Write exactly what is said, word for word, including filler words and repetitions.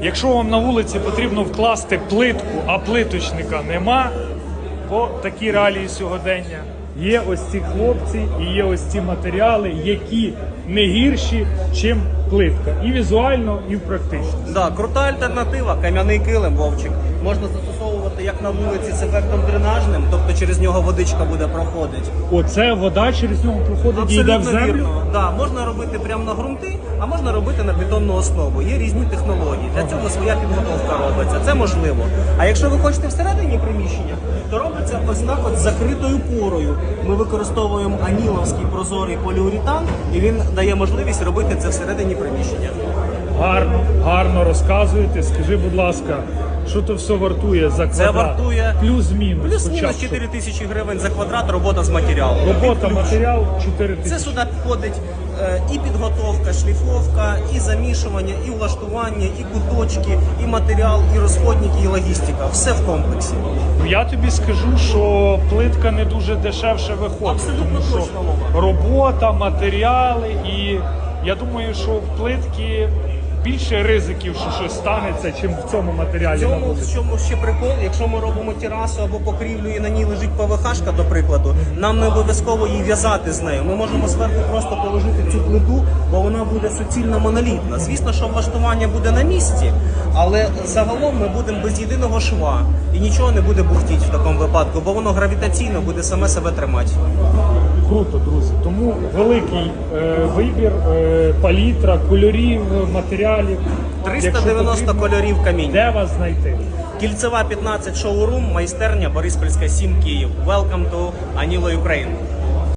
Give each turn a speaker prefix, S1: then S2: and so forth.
S1: Якщо вам на вулиці потрібно вкласти плитку, а плиточника нема, бо такі реалії сьогодення, є ось ці хлопці і є ось ці матеріали, які не гірші, чим плитка. І візуально, і в практичності.
S2: Да, крута альтернатива, кам'яний килим, Вовчик. Можна застосовувати як на вулиці з ефектом дренажним, тобто через нього водичка буде проходити.
S1: Оце вода через нього проходить і йде в землю?
S2: Вірно. Да, можна робити прямо на ґрунти, а можна робити на бетонну основу. Є різні технології. Для цього своя підготовка робиться. Це можливо. А якщо ви хочете всередині приміщення, то робиться ось так от з закритою порою. Ми використовуємо аніловський прозорий поліуретан, і він дає можливість робити це всередині приміщення.
S1: Гарно, гарно розказуєте. Скажи, будь ласка, що то все вартує за квадрат?
S2: Це вартує
S1: плюс-мінус.
S2: Плюс-мінус чотири тисячі гривень за квадрат, робота з матеріалом.
S1: Робота, матеріал чотири тисячі.
S2: Це сюди підходить е, і підготовка, шліфовка, і замішування, і влаштування, і куточки, і матеріал, і розходники, і логістика. Все в комплексі.
S1: Я тобі скажу, що плитка не дуже дешевше виходить.
S2: Абсолютно
S1: тому що
S2: точно, Вова.
S1: робота, матеріали, і я думаю, що в плитки більше ризиків, що щось станеться, чим в цьому матеріалі.
S2: В
S1: на
S2: цьому,
S1: вулиці.
S2: в чому ще прикол, якщо ми робимо терасу або покрівлю і на ній лежить ПВХ-шка, до прикладу, нам не обов'язково її в'язати з нею. Ми можемо зверху просто положити цю плиту, бо вона буде суцільно монолітна. Звісно, що влаштування буде на місці, але загалом ми будемо без єдиного шва і нічого не буде бухтіти в такому випадку, бо воно гравітаційно буде саме себе тримати.
S1: Круто, друзі. Тому великий е, вибір, е, палітра, кольорів, матеріалів.
S2: триста дев'яносто
S1: Якщо
S2: кольорів камінь.
S1: Де вас знайти?
S2: Кільцева п'ятнадцять шоурум, майстерня Бориспільська сім Київ. Welcome to Anilo Ukraine.